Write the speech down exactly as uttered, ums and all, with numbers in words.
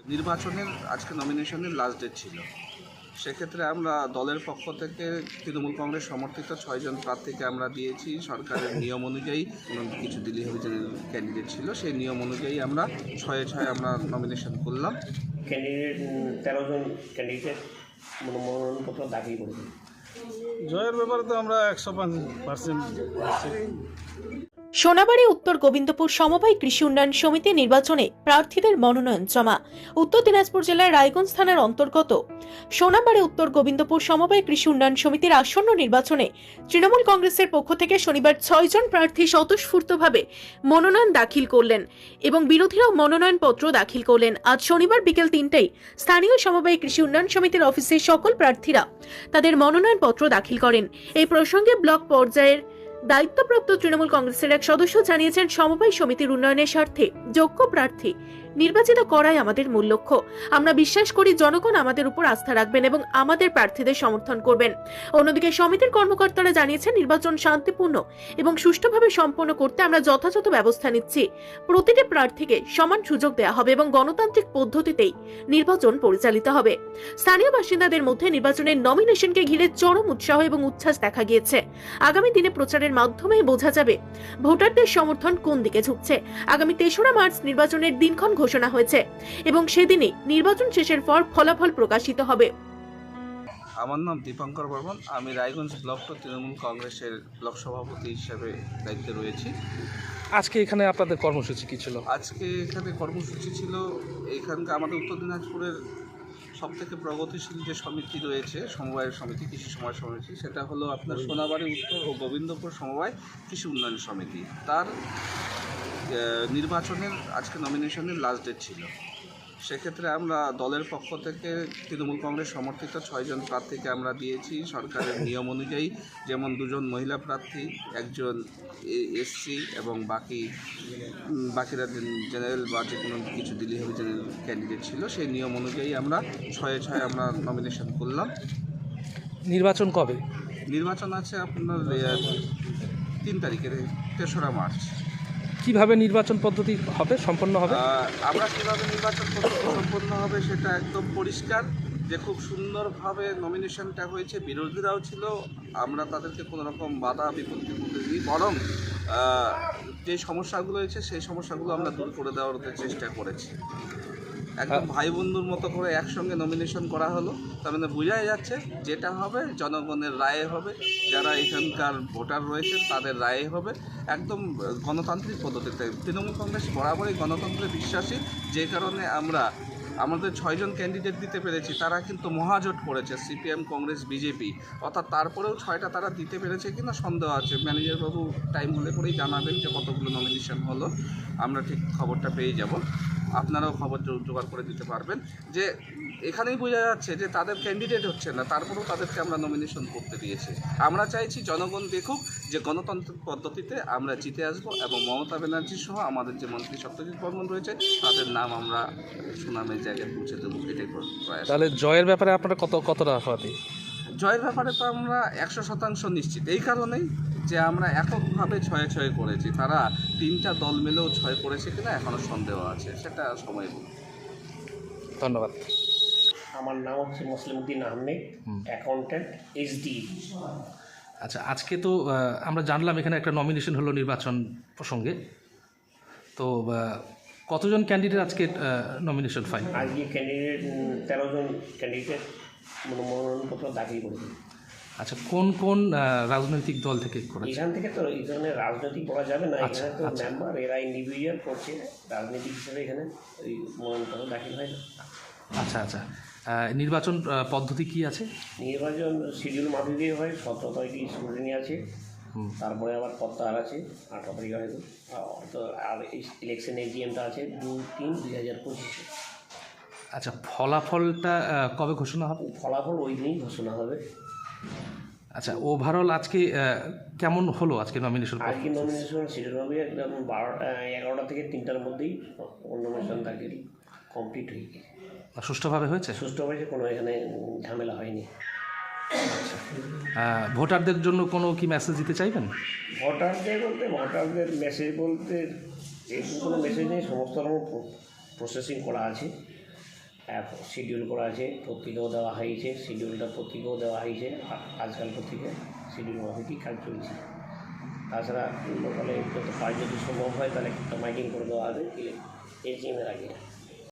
নির্বাচনের আজকে নমিনেশনের last date ছিল। সেক্ষেত্রে আমরা দলের পক্ষ থেকে তৃণমূল কংগ্রেস সমর্থিত ছয়জন প্রার্থীকে আমরা দিয়েছি। সরকারের নিয়ম অনুযায়ী কিছু দিল্লি অভিযানের ক্যান্ডিডেট ছিল, সেই নিয়ম অনুযায়ী আমরা ছয়ে ছয় আমরা নমিনেশন করলাম। ক্যান্ডিডেট তেরো জন ক্যান্ডিডেট মনোনয়নপত্র দাখিল করেছেন। জয়ের ব্যাপারে তো আমরা একশো পার্সেন্ট। সোনাবাড়ী উত্তর গোবিন্দপুর সমবায় কৃষি উন্নয়ন সমিতি নির্বাচনে প্রার্থীদের মনোনয়ন জমা। উত্তর দিনাজপুর জেলার রায়গঞ্জ থানার অন্তর্গত সোনাবাড়ী উত্তর গোবিন্দপুর সমবায় কৃষি উন্নয়ন সমিতির আসন্ন নির্বাচনে তৃণমূল কংগ্রেসের পক্ষ থেকে শনিবার ছয়জন প্রার্থী স্বতঃস্ফূর্তভাবে মনোনয়ন দাখিল করলেন এবং বিরোধীরাও মনোনয়ন পত্র দাখিল করলেন। আজ শনিবার বিকেল তিনটায় স্থানীয় সমবায় কৃষি উন্নয়ন সমিতির অফিসে সকল প্রার্থীরা তাদের মনোনয়ন পত্র দাখিল করেন। এই প্রসঙ্গে ব্লক পর্যায়ের দায়িত্বপ্রাপ্ত তৃণমূল কংগ্রেসের এক সদস্য জানিয়েছেন, সমবায় সমিতির উন্নয়নের স্বার্থে যোগ্য প্রার্থী নির্বাচিত করাই আমাদের মূল লক্ষ্য। আমরা বিশ্বাস করি জনগণ আমাদের উপর আস্থা রাখবেন এবং আমাদের প্রার্থীদের সমর্থন করবেন। অন্যদিকে সমিতির কর্মকর্তারা জানিয়েছেন, নির্বাচন শান্তিপূর্ণ এবং সুষ্ঠুভাবে সম্পন্ন করতে আমরা যথাযথ ব্যবস্থা নিচ্ছি। প্রতিটি প্রার্থীকে সমান সুযোগ দেওয়া হবে এবং গণতান্ত্রিক পদ্ধতিতেই নির্বাচন পরিচালিত হবে। স্থানীয় বাসিন্দাদের মধ্যে নির্বাচনের নমিনেশনকে ঘিরে চরম উৎসাহ এবং উচ্ছ্বাস দেখা গিয়েছে। আগামী দিনে প্রচারের মাধ্যমেই বোঝা যাবে ভোটারদের সমর্থন কোন দিকে ঝুঁকছে। আগামী তেসরা মার্চ নির্বাচনের দিনক্ষণ ঘোষণা হয়েছে এবং সেদিনই নির্বাচন শেষের পর ফলাফল প্রকাশিত হবে। আমার নাম দীপঙ্কর বর্মন, আমি রায়গঞ্জ ব্লক তৃণমূল কংগ্রেসের ব্লক সভাপতি হিসেবে দায়িত্বে রয়েছি। আজকে এখানে আপনাদের কর্মসূচি কি ছিল? আজকে এখানে কর্মসূচি ছিল, এখানকার আমাদের উত্তর দিনাজপুরের সব থেকে প্রগতিশীল যে সমিতি রয়েছে, সমবায়ের সমিতি, কৃষি সমবায় সমিতি, সেটা হলো আপনার সোনাবাড়ী উত্তর ও গোবিন্দপুর সমবায় কৃষি উন্নয়ন সমিতি। তার নির্বাচনের আজকে নমিনেশনের লাস্ট ডেট ছিল। সেক্ষেত্রে আমরা দলের পক্ষ থেকে তৃণমূল কংগ্রেস সমর্থিত ছয়জন প্রার্থীকে আমরা দিয়েছি। সরকারের নিয়ম অনুযায়ী, যেমন দুজন মহিলা প্রার্থী, একজন এসসি এবং বাকি বাকিরা জেনারেল বা যে কোনো কিছু দিল্লি অভিযানের ক্যান্ডিডেট ছিল, সেই নিয়ম অনুযায়ী আমরা ছয়ে ছয় আমরা নমিনেশন করলাম। নির্বাচন কবে? নির্বাচন আছে আপনার তিন তারিখের তেসরা মার্চ। কিভাবে নির্বাচন পদ্ধতি হবে সম্পন্ন হবে? আমরা কীভাবে নির্বাচন পদ্ধতি সম্পন্ন হবে সেটা একদম পরিষ্কার, যে খুব সুন্দরভাবে নমিনেশনটা হয়েছে। বিরোধীরাও ছিল, আমরা তাদেরকে কোনো রকম বাধা বিপত্তি করতে দিই, বরং যে সমস্যাগুলো হয়েছে সেই সমস্যাগুলো আমরা দূর করে দেওয়ার চেষ্টা করেছি। একদম ভাই বন্ধুর মতো করে একসঙ্গে নমিনেশন করা হলো। তার মানে বোঝাই যাচ্ছে যেটা হবে জনগণের রায়ে হবে, যারা এখানকার ভোটার রয়েছেন তাদের রায়ে হবে, একদম গণতান্ত্রিক পদ্ধতিতে। তৃণমূল কংগ্রেস বরাবরই গণতন্ত্রে বিশ্বাসী, যে কারণে আমরা আমাদের ছয়জন ক্যান্ডিডেট দিতে পেরেছি। তারা কিন্তু মহাজোট করেছে, সিপিএম, কংগ্রেস, বিজেপি, অর্থাৎ তারপরেও ছয়টা তারা দিতে পেরেছে কিনা সন্দেহ আছে। ম্যানেজার বাবু টাইম হলে পরেই জানাবেন যে কতগুলো নমিনেশন হলো, আমরা ঠিক খবরটা পেয়ে যাব। আপনারাও খবর জোগাড় করে দিতে পারবেন। যে এখানেই বোঝা যাচ্ছে যে তাদের ক্যান্ডিডেট হচ্ছে না, তারপরেও তাদেরকে আমরা নমিনেশন করতে দিয়েছি। আমরা চাইছি জনগণ দেখুক যে গণতান্ত্রিক পদ্ধতিতে আমরা জিতে আসবো এবং মমতা ব্যানার্জি সহ আমাদের যে মন্ত্রী সত্যজিৎ বর্মন রয়েছে তাদের নাম আমরা সুনামের জায়গায় পৌঁছে দেবো, এটাই প্রয়াস। তাহলে জয়ের ব্যাপারে আপনারা কত কতটা আশাবাদী? জয়ের ব্যাপারে তো আমরা একশো শতাংশ নিশ্চিত, এই কারণেই যে আমরা এককভাবে ছয়ে ছয় করেছি। তারা তিনটা দল মিলেও ছয় করেছে কিনা এখনও সন্দেহ আছে, সেটা সময় বলবে। ধন্যবাদ। আমার নাম হচ্ছে মুসলিমউদ্দিন আহমেদ, অ্যাকাউন্ট্যান্ট, এইচডি। আচ্ছা, আজকে তো আমরা জানলাম এখানে একটা নমিনেশন হলো নির্বাচন প্রসঙ্গে, তো কতজন ক্যান্ডিডেট আজকে নমিনেশন ফাইল? আজকে ক্যান্ডিডেট তেরো জন ক্যান্ডিডেট মনোনয়নপত্র দাখিল করেছেন। আচ্ছা, কোন কোন রাজনৈতিক দল থেকে করেছে? এখান থেকে তো এই ধরনের রাজনৈতিক বলা যাবে না, এখানে তো মেম্বার এরা ইন্ডিভিজুয়াল করছে, রাজনৈতিক হিসেবে এখানে ওই মনোনয়নপত্র দাখিল হয় না। আচ্ছা আচ্ছা, নির্বাচন পদ্ধতি কি আছে? নির্বাচন শিডিউল মাফিক দিয়ে হয়, সতেরো তারিখে স্ক্রুটিনি আছে, তারপরে আবার প্রত্যাহার আছে আঠারো তারিখে হয়তো, তো আর ইলেকশন এজিএমটা আছে দুই তিন দুই হাজার পঁচিশে। আচ্ছা, ফলাফলটা কবে ঘোষণা হবে? ফলাফল ওই দিনই ঘোষণা হবে। আচ্ছা, ওভারঅল আজকে কেমন হলো আজকে নমিনেশন? আজকে নমিনেশন শিডিউল হবে একদম বারোটা এগারোটা থেকে তিনটার মধ্যেই নমিনেশন দাখিল কমপ্লিট হয়ে গেছে। সুষ্ঠুভাবে হয়েছে? সুষ্ঠুভাবে কোনো এখানে ঝামেলা হয়নি। আচ্ছা, ভোটারদের জন্য কোনো কি মেসেজ দিতে চাইবেন? ভোটারদের বলতে ভোটারদের মেসেজ বলতে এরকম কোনো মেসেজ নেই, সমস্ত রকম প্রসেসিং করা আছে। অ্যাপ শিডিউল করা আছে, পত্রিকাও দেওয়া হয়েছে, শিডিউলটা পত্রিকাও দেওয়া হয়েছে। আ- আজকাল পত্রিকা শিডিউল মাফিকই কাজ চলছে। তাছাড়া লোকালে যত কাজ যদি সম্ভব হয় তাহলে একটা মাইকিং করে দেওয়া হবে এজিএমের আগে।